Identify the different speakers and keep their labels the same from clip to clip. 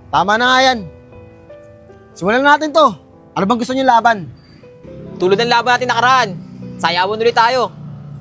Speaker 1: Tama na nga yan. Simulan na natin to. Ano bang gusto niyo laban?
Speaker 2: Tulad ng laban natin nakaraan. Sayawan ulit tayo.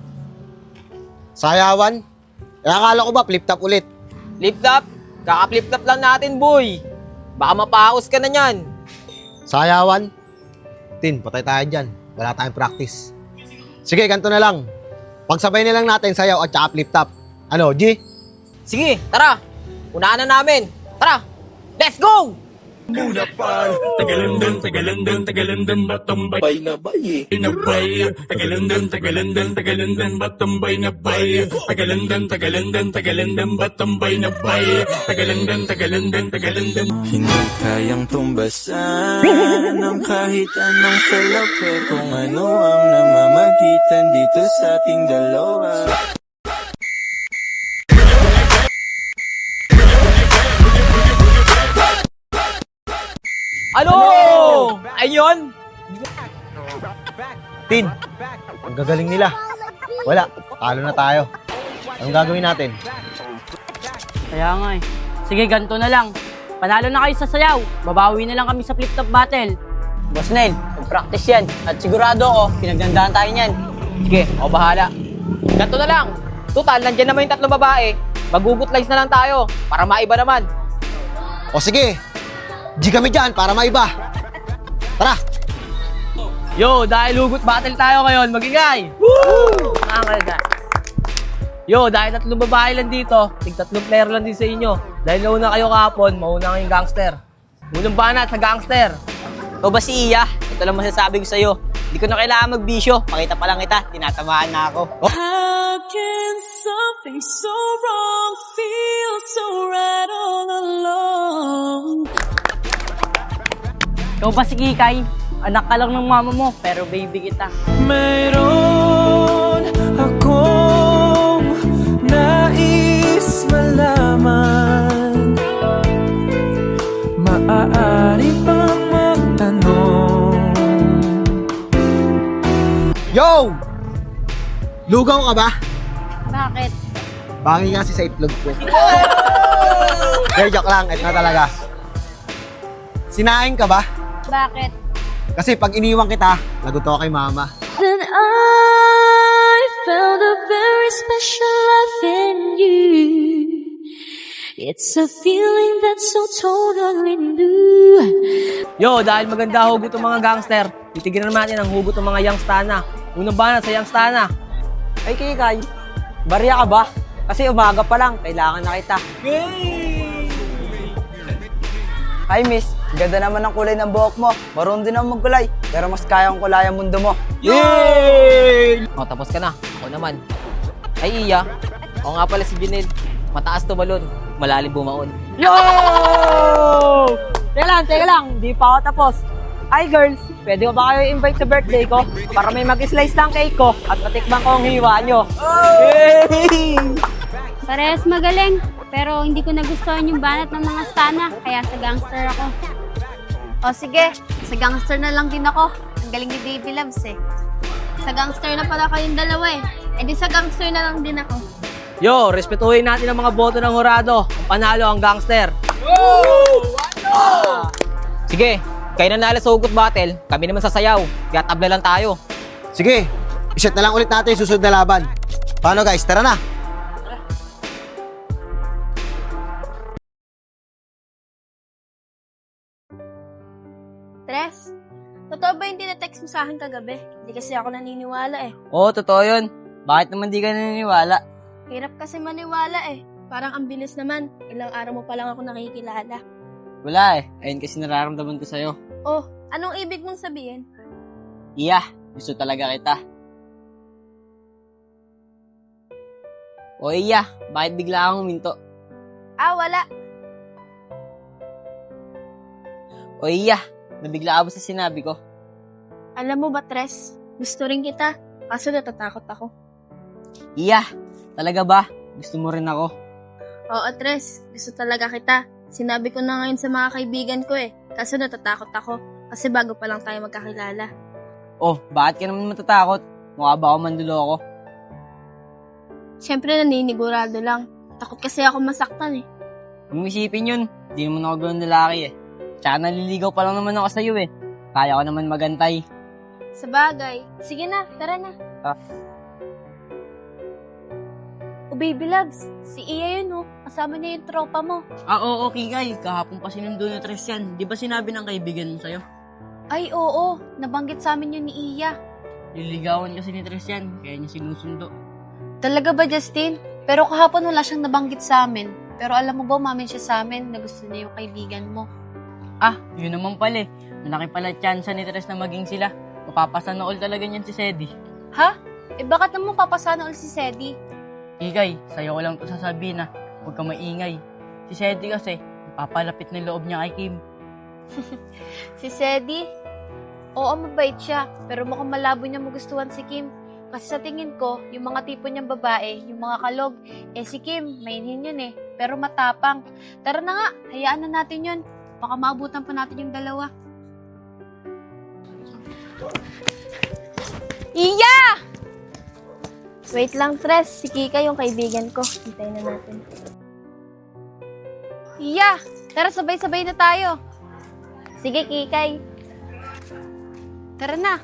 Speaker 1: Sayawan? Akala ko ba flip-top ulit?
Speaker 2: Flip-top? Kaka-flip-top lang natin, boy. Baka mapahaos ka na niyan.
Speaker 1: Sayawan? Tin, patay tayo dyan. Wala tayong practice. Sige, ganito na lang. Pagsabay na lang natin sayaw at saka flip-top. Ano, G?
Speaker 2: Sige, tara. Unahan na namin. Tara. Let's go!
Speaker 3: Muna pa, tagalandan, batambay na bay, inabay, tagalandan, batambay na bay, tagalandan, batambay na bay, tagalandan.
Speaker 4: Hindi kayang tumbasan ng kahit anong salapi kung ano ang namamagitan dito sa ating dalawa.
Speaker 2: Ano? Ayun!
Speaker 1: Tin, ang gagaling nila. Wala, talo na tayo. Anong gagawin natin?
Speaker 5: Kaya nga eh. Sige, ganito na lang. Panalo na kayo sa sayaw. Babawi na lang kami sa flip-top battle.
Speaker 6: Boss Nel, mag-practice yan. At sigurado ako, pinagdandahan tayo niyan.
Speaker 2: Sige, ako bahala. Ganito na lang. Total, nandiyan naman yung tatlong babae. Magugutlays na lang tayo para maiba naman.
Speaker 1: O sige, G kami dyan para maiba. Tara!
Speaker 5: Yo, dahil hugot battle tayo ngayon, magingay! Woo! Yo, dahil tatlong babae lang dito, tatlong player lang din sa inyo. Dahil nauna kayo kahapon, mauna kayong gangster. Unang banat sa gangster.
Speaker 6: Ikaw ba si Iya? Ito lang masasabi ko sa'yo. Hindi ko na kailangan magbisyo. Pakita pa lang kita, tinatamaan na ako.
Speaker 7: How can something so wrong feel so right all along?
Speaker 5: Ikaw ba si Kikay? Anak ka lang ng mama mo, pero baby kita.
Speaker 4: Mayroon akong nais malaman. Maaari bang magtanong?
Speaker 1: Yo! Lugaw ka ba?
Speaker 7: Bakit?
Speaker 1: Bangi nga si sa itlog ko. Pero joke lang, ito na talaga. Sinaing ka ba?
Speaker 7: Bakit?
Speaker 1: Kasi pag iniwan kita, lagot ako kay mama.
Speaker 7: Then I found a very special love in you. It's a feeling that's so totally new.
Speaker 5: Yo, dahil maganda hugot ng mga gangster, titignan natin ang hugot ng mga youngstana. Unang banat sa youngstana.
Speaker 6: Ay, Kikay, barya ka ba? Kasi umaga pa lang, kailangan na kita. Hi, miss. Ganda naman ang kulay ng buhok mo. Marunong din ako magkulay, pero mas kaya kong kulay ang mundo mo.
Speaker 2: Yay! O, tapos ka na. Ako naman. Ay, Iya. Ako nga pala si Junel. Mataas tumalon. Malalim bumaon.
Speaker 5: Yo! Teka lang. Di pa ako tapos. Hi girls, pwede ko ba kayo invite sa birthday ko? Para may mag-slice ng cake ko at matikman ko ang hiwa nyo.
Speaker 8: Parehas magaling, pero hindi ko nagustuhan yung banat ng mga stana, kaya sa gangster ako.
Speaker 9: O sige, sa gangster na lang din ako. Ang galing ni Baby Loves eh. Sa gangster na pala kayong dalawa eh. E di sa gangster na lang din ako.
Speaker 5: Yo, respetuhin natin ang mga boto ng hurado. Ang panalo ang gangster.
Speaker 2: Sige, kayo na nala sa hugot battle. Kami naman sa sayaw. Kaya tabla lang tayo.
Speaker 1: Sige, iset na lang ulit natin yung susunod na laban. Paano guys, tara na!
Speaker 9: Tres, totoo ba yung tinetext mo sa akin kagabi? Hindi kasi ako naniniwala eh.
Speaker 6: Oo, totoo yun. Bakit naman di ka naniniwala?
Speaker 9: Hirap kasi maniwala eh. Parang ang bilis naman. Ilang araw mo pa lang ako nakikilala.
Speaker 6: Wala eh. Ayun kasi nararamdaman ko sa'yo.
Speaker 9: Oh, anong ibig mong sabihin?
Speaker 6: Iya, gusto talaga kita. O Iya, bakit bigla kang huminto?
Speaker 9: Ah, wala.
Speaker 6: O Iya, nabigla ka ba sa sinabi ko?
Speaker 9: Alam mo ba, Tres? Gusto rin kita. Kaso natatakot ako.
Speaker 6: Iya, talaga ba? Gusto mo rin ako?
Speaker 9: Oo, Tres. Gusto talaga kita. Sinabi ko na ngayon sa mga kaibigan ko eh. Kaso natatakot ako. Kasi bago pa lang tayo magkakilala.
Speaker 6: Oh, bakit ka naman matatakot? Mukha ba ako manduloko?
Speaker 9: Siyempre naninigurado lang. Takot kasi ako masaktan eh.
Speaker 6: Huwag mo isipin yun. di naman ako gano'n lalaki eh. Tsaka naliligaw pa lang naman ako sa'yo eh. Kaya ko naman magantay.
Speaker 9: Sa bagay. Sige na, tara na. Oh, baby loves, si Iya yun, oh. Kasama niya yung tropa mo.
Speaker 6: Oo, Kikay. Kahapon pa sinundo ni Tres yan. Di ba sinabi ng kaibigan mo sa'yo?
Speaker 9: Ay, oo. Nabanggit sa amin yun ni Iya.
Speaker 6: Liligawan kasi ni Tres yan, kaya niya sinusundo.
Speaker 9: Talaga ba, Justin? Pero kahapon wala siyang nabanggit sa amin. Pero alam mo ba, umamin siya sa amin na gusto niya yung kaibigan mo.
Speaker 6: Ah, yun naman pala eh. Malaki pala tsansa ni Tres na maging sila. Mapapasana all talaga niyan si Sedi.
Speaker 9: Ha? Eh bakit naman papasana ulit si Sedi?
Speaker 6: Kikay, sa'yo ko lang ito sasabihin na huwag ka maingay. Si Sedi kasi, papalapit ng loob niya kay Kim.
Speaker 9: Si Sedi? Oo, mabait siya. Pero mukhang malabo niya magustuhan si Kim. Kasi sa tingin ko, yung mga tipo niyang babae, yung mga kalog, si Kim, mainhin yun eh. Pero matapang. Tara na nga, hayaan na natin yun. Baka maabutan pa natin yung dalawa. Iya! Wait lang, Tres. Si Kika yung kaibigan ko. Hintayin na natin. Iya! Tara, sabay-sabay na tayo. Sige, Kikay. Tara na.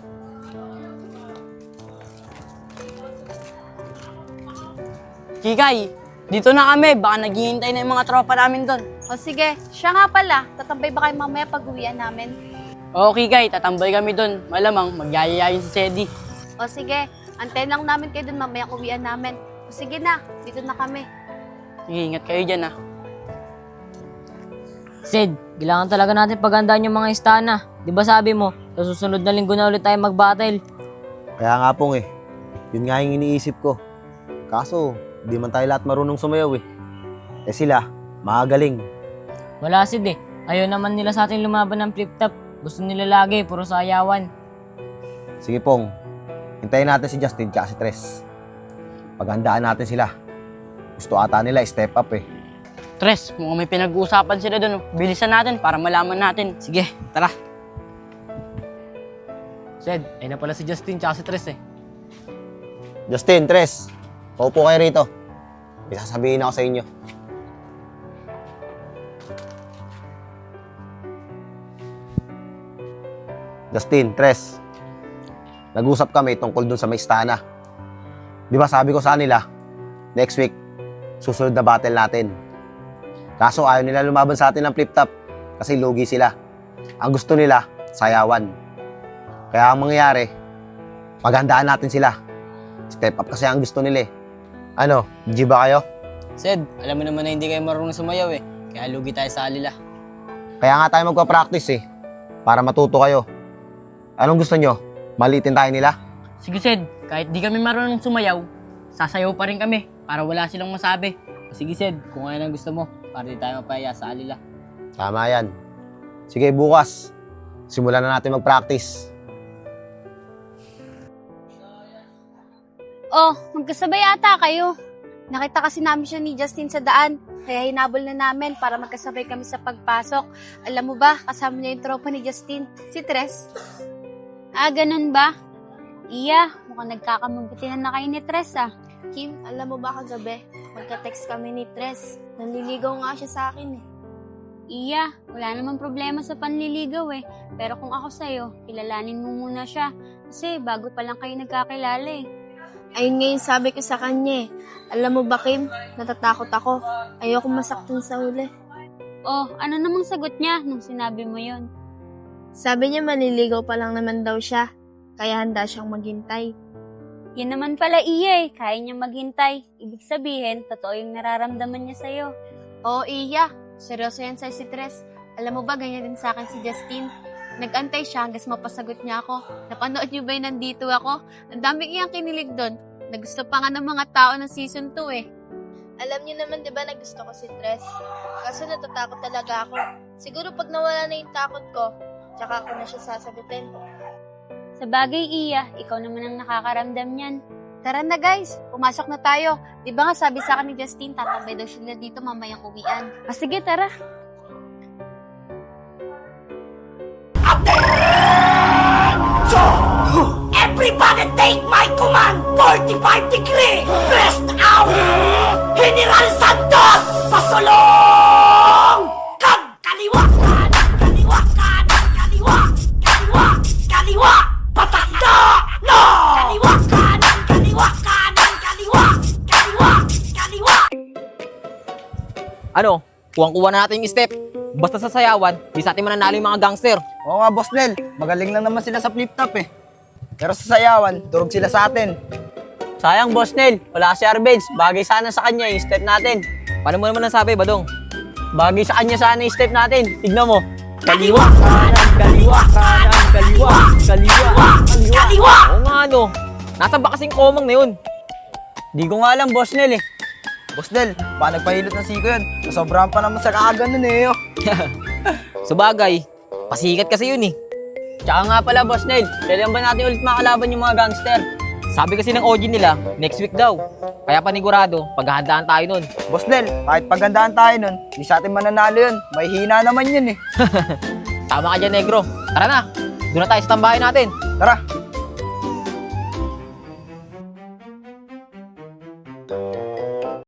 Speaker 6: Kikay, dito na kami. Baka naghihintay na yung mga tropa namin doon.
Speaker 9: O sige, siya nga pala. Tatambay ba kayo mamaya pag-uwian namin?
Speaker 6: Oo, Kikay, tatambay kami doon. Malamang, magyayayayin si Sedi.
Speaker 9: O sige, antayin lang namin kayo dun mamaya uwian namin. O sige na, dito na kami.
Speaker 6: Sige, ingat kayo dyan ah.
Speaker 2: Sid, kailangan talaga natin pagandaan yung mga istana. Di ba sabi mo, sa susunod na linggo na ulit tayo mag-battle?
Speaker 1: Kaya nga pong eh. Yun nga yung iniisip ko. Kaso, di man tayo lahat marunong sumayaw eh. Eh sila, magagaling.
Speaker 2: Wala Sid eh. Ayaw naman nila sa atin lumaban ng flip-top. Gusto nila lagi, puro sayawan.
Speaker 1: Sige pong, hintayin natin si Justin at si Tres. Paghandaan natin sila. Gusto ata nila step up eh.
Speaker 6: Tres, mukhang may pinag-uusapan sila doon. Bilisan natin para malaman natin. Sige, tara.
Speaker 2: Sid, ayun na pala si Justin tsaka si Tres eh.
Speaker 1: Justin, Tres, paupo kayo rito. May sasabihin ako sa inyo. Justin, Tres, nag-usap kami tungkol dun sa may istana. Di ba sabi ko sa nila, next week, susunod na battle natin. Kaso ayaw nila lumaban sa atin ng flip-top kasi lugi sila. Ang gusto nila, sayawan. Kaya ang mangyayari, paghandaan natin sila. Step up kasi ang gusto nila eh. Ano, G ba kayo?
Speaker 6: Sid, alam mo naman na hindi kayo marunong sumayaw eh. Kaya lugi tayo sa alila.
Speaker 1: Kaya nga tayo magpa-practice eh, para matuto kayo. Anong gusto nyo? Maliitin tayo nila?
Speaker 6: Sige Sid, kahit di kami marunong sumayaw, sasayaw pa rin kami para wala silang masabi. Sige Sid, kung ano ang gusto mo, para di tayo mapaya sa alila.
Speaker 1: Tama yan. Sige, bukas, simulan na natin mag-practice.
Speaker 8: Oh, magkasabay ata kayo.
Speaker 9: Nakita kasi namin siya ni Justin sa daan. Kaya hinabol na namin para magkasabay kami sa pagpasok. Alam mo ba, kasama niya yung tropa ni Justin, si Tres.
Speaker 8: Ah, ganun ba? Iya, mukhang nagkakamabutihan na kayo ni Tres ah.
Speaker 9: Kim, alam mo ba kagabi, magka-text kami ni Tres. Nanliligaw nga siya sa akin eh.
Speaker 8: Iya, wala namang problema sa panliligaw eh. Pero kung ako sa'yo, kilalanin mo muna siya. Kasi bago pa lang kayo nagkakilala eh.
Speaker 9: Ayun nga yung sabi ko sa kanya eh. Alam mo ba Kim, natatakot ako. Ayoko masaktan sa huli.
Speaker 8: Oh, ano namang sagot niya nung sinabi mo yon?
Speaker 9: Sabi niya manliligaw pa lang naman daw siya. Kaya handa siyang maghintay.
Speaker 8: Yan naman pala Iya eh, kaya niya maghintay. Ibig sabihin, totoo yung nararamdaman niya sa'yo.
Speaker 9: Oo, Iya. Seryoso yan sa'yo si Tres. Alam mo ba, ganyan din sa akin si Justin. Nag-antay siya hanggang mapasagot niya ako. Napanood niyo ba yung nandito ako? Ang daming iyang kinilig doon. Nagusto pa nga ng mga tao ng season 2 eh. Alam niyo naman 'di ba na gusto ko si Tres. Kaso natatakot talaga ako. Siguro pag nawala na yung takot ko, tsaka ako na siya sasagutin.
Speaker 8: Sa bagay Iya, ikaw naman ang nakakaramdam niyan.
Speaker 9: Tara na guys, pumasok na tayo. Di ba nga sabi sa akin ni Justin, tatambay daw sila dito mamayang uwian.
Speaker 8: Sige, tara.
Speaker 3: Everybody take my command! 45 degree! Pressed out! General Santos! Pasulong!
Speaker 2: Ano? Kuwang-kuha na natin yung step. Basta sa sayawan, di sa atin mananalo yung mga gangster.
Speaker 5: Oo nga, Boss Nel. Magaling lang naman sila sa flip-top eh. Pero sa sayawan, turog sila sa atin.
Speaker 6: Sayang, Boss Nel. Wala si Arbenz. Bagay sana sa kanya yung step natin.
Speaker 2: Paano mo naman nasabi, Badong?
Speaker 6: Bagay sa kanya sana yung step natin. Tignan mo. Kaliwa, kanan, kaliwa, kanan, kaliwa, kaliwa, kaliwa.
Speaker 2: Oo nga, no. Nasaan ba kasing komang na yun?
Speaker 6: Di ko nga alam, Boss Nel eh.
Speaker 5: Boss Nel, paano nagpahilot ng siko yun? Nasobrahan pa naman sa kaagan nun eh. Oh.
Speaker 2: Sabagay, pasikat kasi yun eh.
Speaker 6: Tsaka nga pala, Boss Nel, kailan ba natin ulit makalaban yung mga gangster?
Speaker 2: Sabi kasi ng OG nila, next week daw. Kaya panigurado, paghahandaan tayo nun.
Speaker 5: Boss Nel, kahit pagandaan tayo nun, di sa atin mananalo yun. May hina naman yun eh.
Speaker 2: Tama ka dyan, negro. Tara na, doon na tayo sa tambahin natin.
Speaker 5: Tara.